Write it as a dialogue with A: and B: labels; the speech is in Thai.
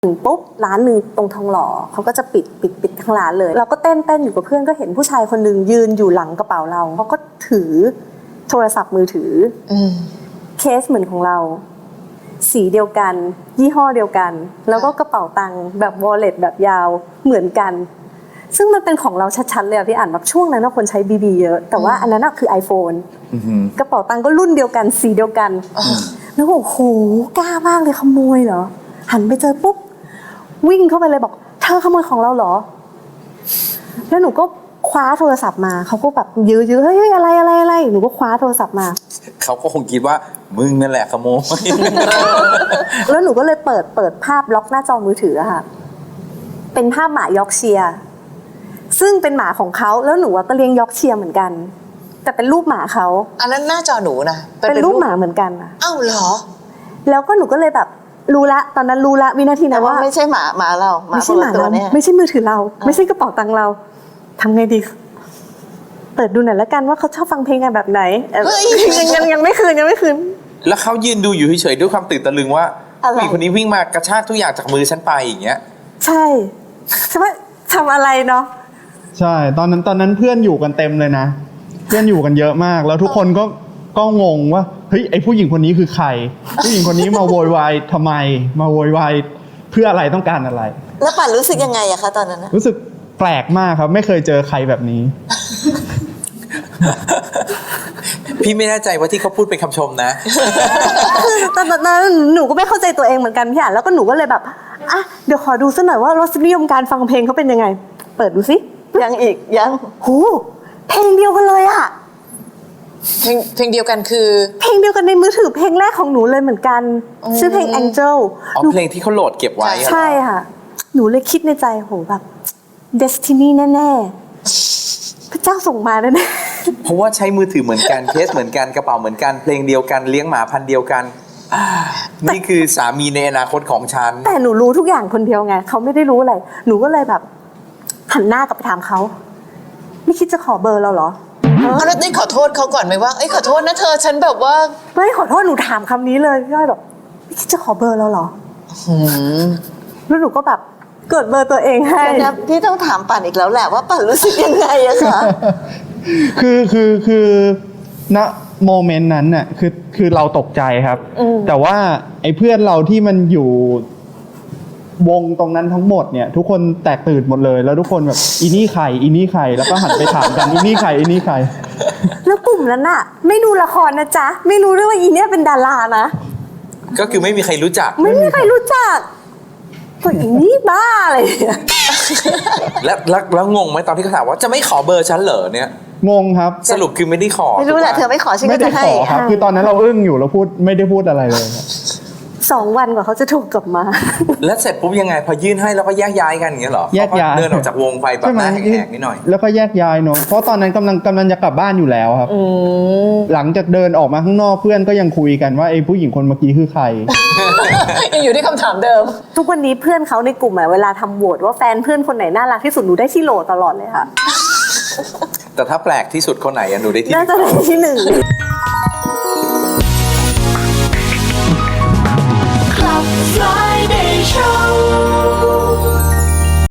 A: ถึงปุ๊บร้านหนึ่งตรงทองหล่อเขาก็จะปิดทั้งร้านเลยเราก็เต้นอยู่กับเพื่อนก็เห็นผู้ชายคนหนึ่งยืนอยู่หลังกระเป๋าเราเขาก็ถือโทรศัพท์มือถือเคสเหมือนของเราสีเดียวกันยี่ห้อเดียวกันแล้วก็กระเป๋าตังค์แบบวอลเล็ตแบบยาวเหมือนกันซึ่งมันเป็นของเราชัดๆเลยพี่อ่านแบบช่วงนั้นคนใช้BBเยอะแต่ว่าอันนั้นคือ iPhone กระเป๋าตังค์ก็รุ่นเดียวกันสีเดียวกันแล้วโอ้โหกล้ามากเลยขโมยเหรอหันไปเจอปุ๊บวิ่งเข้าไปเลยบอกเธอขโมยของเราเหรอแล้วหนูก็คว้าโทรศัพท์มาเขาก็แบบยื้อเฮ้ยอะไรหนูก็คว้าโทรศัพท์มา
B: เขาก็คงคิดว่ามึงนั่นแหละขโมย
A: แล้วหนูก็เลยเปิดภาพล็อกหน้าจอมือถือค่ะเป็นภาพหมายอร์กเชียร์ซึ่งเป็นหมาของเขาแล้วหนูก็เลี้ยงยอร์กเชียร์เหมือนกันแต่เป็นรูปหมาเขา
C: อันนั้นหน้าจอหนูนะ
A: เป็นรูปหมาเหมือนกันอะ
C: อ้าวเหรอ
A: แล้วก็หนูก็เลยแบบรู้ละตอนนั้นรู้ละวินาทีนั้นว่า
D: ไม่ใช่หมาเรา
A: ไม่ใช่หมาเราไม่ใช่มือถือเราไม่ใช่กระเป๋าตังค์เราทำไงดีเปิดดูหน่อยแล้วกันว่าเขาชอบฟังเพลงกันแบบไหนยังไม่คืน
B: แล้วเขายืนดูอยู่เฉยๆด้วยความตื่นตะลึงว่าผู้หญิงคนนี้วิ่งมากระชากทุกอย่างจากมือฉันไปอย่างเงี้ย
A: ใช่ใช่ไหมทำอะไรเนาะ
E: ใช่ตอนนั้นเพื่อนอยู่กันเต็มเลยนะเพื่อนอยู่กันเยอะมากแล้วทุกคนก็งงว่าเฮ้ยไอผู้หญิงคนนี้คือใครผู้หญิงคนนี้มาโวยวายทำไมมาโวยวายเพื่ออะไรต้องการอะไร
D: แล้วป่านรู้สึกยังไงอะคะตอนนั้น
E: รู้สึกแปลกมากครับไม่เคยเจอใครแบบนี้
B: พี่ไม่แน่ใจว่าที่เขาพูดเป็นคำชมนะ
A: ตอนนั้นหนูก็ไม่เข้าใจตัวเองเหมือนกันพี่อ่านแล้วก็หนูก็เลยแบบอ่ะเดี๋ยวขอดูสักหน่อยว่ารสนิยมการฟังเพลงเขาเป็นยังไงเปิดดูสิ
D: ยัง
A: โหเพลงเดียวกันเลยอะ
C: เพลงเดียวกันคือ
A: เพลงเดียวกันในมือถือเพลงแรกของหนูเลยเหมือนกันชื่อเพลง Angel
B: เพลงที่เขาโหลดเก็บไว้
A: ใช่ค่ะหนูเลยคิดในใจโหแบบ Destiny แน่ๆพระเจ้าส่งมาแน่
B: ๆเพราะว่าใช้มือถือเหมือนกันเคสเหมือนกันกระเป๋าเหมือนกันเพลงเดียวกันเลี้ยงหมาพันธุ์เดียวกันนี่คือสามีในอนาคตของฉัน
A: แต่หนูรู้ทุกอย่างคนเดียวไงเขาไม่ได้รู้อะไรหนูก็เลยแบบหันหน้ากลับไปถามเขาไม่คิดจะขอเบอร์เราเหรอ
C: แล้วได้ขอโทษเขาก่อนไหมว่าขอโทษนะเธอฉันแบบว่า
A: ไม่ขอโทษหนูถามคำนี้เลยพี่อ้อยแบบไม่คิดจะขอเบอร์เราเหรอแล้วหนูก็แบบเกิดเบอร์ตัวเองให้
D: พี่ต้องถามป่านอีกแล้วแหละว่าป่านรู้สึกยังไงอะคะ
E: คือณโมเมนต์นั้นน่ะคือเราตกใจครับแต่ว่าไอ้เพื่อนเราที่มันอยู่วงตรงนั้นทั้งหมดเนี่ยทุกคนแตกตื่นหมดเลยแล้วทุกคนแบบอีนี่ใครแล้วก็หันไปถามกันอีนี่ใคร
A: แล้วกลุ่มนั้นน่ะไม่ดูละครนะจ๊ะไม่รู้ด้วยว่าอีเนี่ยเป็นดารานะ
B: ก็คือไม่มีใครรู้จัก
A: ไม่มีใครรู้จักก็อีนี่บ้าอะไร
B: แล้วงงไหมตอนที่เขาถามว่าจะไม่ขอเบอร์ฉันเหรอเนี่ย
E: งงครับ
B: สรุปคือไม่ได้ขอ
D: ไม่รู้แหละเธอไม่ขอฉันก็จะให้
E: ไม่ได้ขอครับคือตอนนั้นเราอึ้งอยู่เราไม่ได้พูดอะไรเลย
A: 2 วันกว่าเขาจะถูกกลับมา
B: แล้วเสร็จปุ๊บยังไงพอยื่นให้แล้วก็แยกย้ายกันอย่างเงี้ยเหรอ
E: แยกย้าย
B: เดินออกจากวงไปแบบหน้าแหกๆนิดหน่อย
E: แล้วก็แยกย้ายเนาะเพราะตอนนั้นกำลังจะกลับบ้านอยู่แล้วครับหลังจากเดินออกมาข้างนอกเพื่อนก็ยังคุยกันว่าไอ้ผู้หญิงคนเมื่อกี้คือใคร
C: ยังอยู่ที่คำถามเดิม
A: ทุกวันนี้เพื่อนเขาในกลุ่มเวลาทำโหวตว่าแฟนเพื่อนคนไหนน่ารักที่สุดหนูได้ที่โหลตลอดเลยค่ะ
B: แต่ถ้าแปลกที่สุดคนไหนหนูได้ที่
A: น่าจะได้ที่1
F: Friday Show